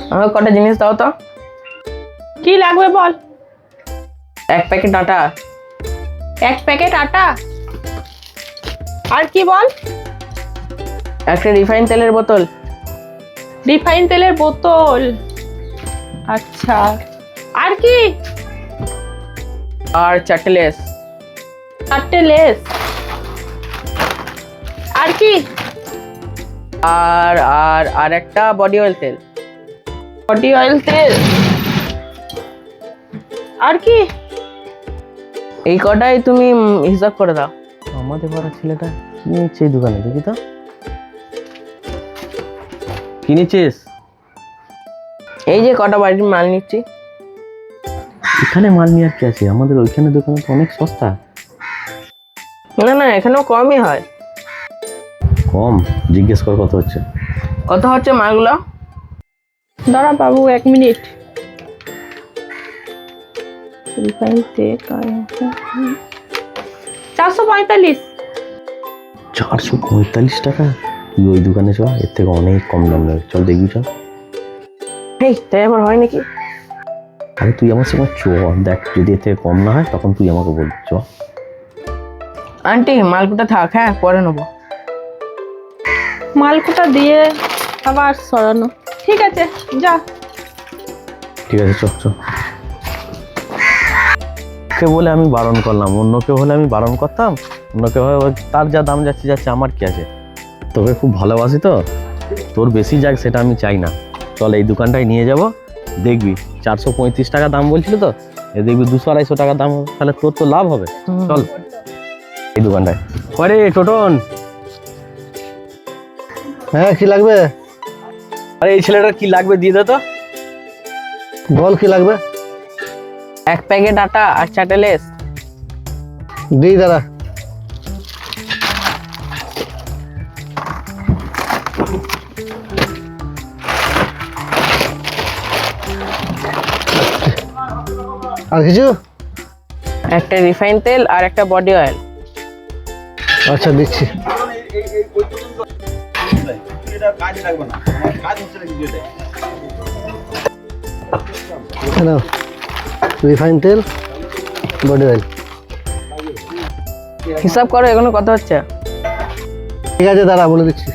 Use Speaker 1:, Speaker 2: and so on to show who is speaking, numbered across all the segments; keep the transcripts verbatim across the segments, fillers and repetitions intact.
Speaker 1: আমাকে কটা জিনিস দাও তো।
Speaker 2: কি লাগবে বল।
Speaker 1: এক প্যাকেট আটা।
Speaker 2: এক প্যাকেট আটা। আর কি বল।
Speaker 1: একটা রিফাইন তেলের বোতল।
Speaker 2: রিফাইন তেলের বোতল। আচ্ছা, আর কি।
Speaker 1: আর চারটে লেস।
Speaker 2: চারটে লেস। আর কি।
Speaker 1: আর আর আর একটা বডি অয়েল তেল।
Speaker 2: বডি অয়েল তেল। আর কি।
Speaker 1: এই কটাই তুমি উম, হিসাব করে দাও। আমাদের পাড়া ছেলেটা কি নিচ্ছে এই দোকানে, দেখি তো কি নিচ্ছিস। এই যে কটা বাড়ির মাল নিচ্ছি।
Speaker 3: এখানে মাল নিয়ে আর কি আছে, আমাদের ওইখানে দোকানে তো অনেক সস্তা।
Speaker 1: না না, এখানেও কমই হয়।
Speaker 3: কম? জিজ্ঞেস কর কত হচ্ছে।
Speaker 1: কত হচ্ছে মালগুলো।
Speaker 2: দাঁড়া বাবু এক মিনিট। রিফাইন তেল চারশো পঁয়তাল্লিশ।
Speaker 3: চারশো পঁয়তাল্লিশ টাকা? তুই ওই দোকানে চ, এর থেকে অনেক কম দাম নেবে, চল দেখবি চল।
Speaker 1: এই তাই আবার হয় নাকি।
Speaker 3: আরে তুই আমার সঙ্গে চ, দেখ যদি এর থেকে কম না হয় তখন তুই আমাকে বলবি, চ।
Speaker 1: আন্টি মালগুলো থাক, হ্যাঁ পরে নেবো।
Speaker 2: মালকোটা দিয়ে আবার সরানো। ঠিক আছে যা।
Speaker 3: ঠিক আছে চ চ। কে বলে আমি বারণ করলাম, অন্য কেউ হলে আমি বারণ করতাম। অন্য কেউ হলে ওই তার যা দাম যাচ্ছে যাচ্ছে, আমার কি আছে। তোকে খুব ভালোবাসি তো, তোর বেশি যাক সেটা আমি চাই না। চল এই দোকানটায় নিয়ে যাব, দেখবি চারশো পঁয়ত্রিশ টাকা দাম বলছিল তো, এ দেখবি দুশো আড়াইশো টাকা দাম হবে, তাহলে তোর তো লাভ হবে। চল এই দোকানটায়। আরে টোটন,
Speaker 4: হ্যাঁ কি লাগবে?
Speaker 3: আরে এই ছেলেটার কি লাগবে দিয়ে দে তো।
Speaker 4: বল কি লাগবে?
Speaker 1: এক প্যাকেট আটা আর চারটে লেস।
Speaker 4: দিই দাঁড়া। আর কিছু?
Speaker 1: একটা রিফাইন তেল আর একটা বডি অয়েল।
Speaker 4: আচ্ছা দিচ্ছি। নাও, রিফাইন তেল, বডি অয়েল।
Speaker 1: হিসাব করো এগুলো কত হচ্ছে।
Speaker 4: ঠিক আছে দাঁড়া বলে দিচ্ছি।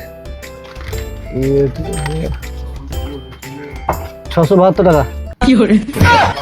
Speaker 4: ছশো বাহাত্তর টাকা।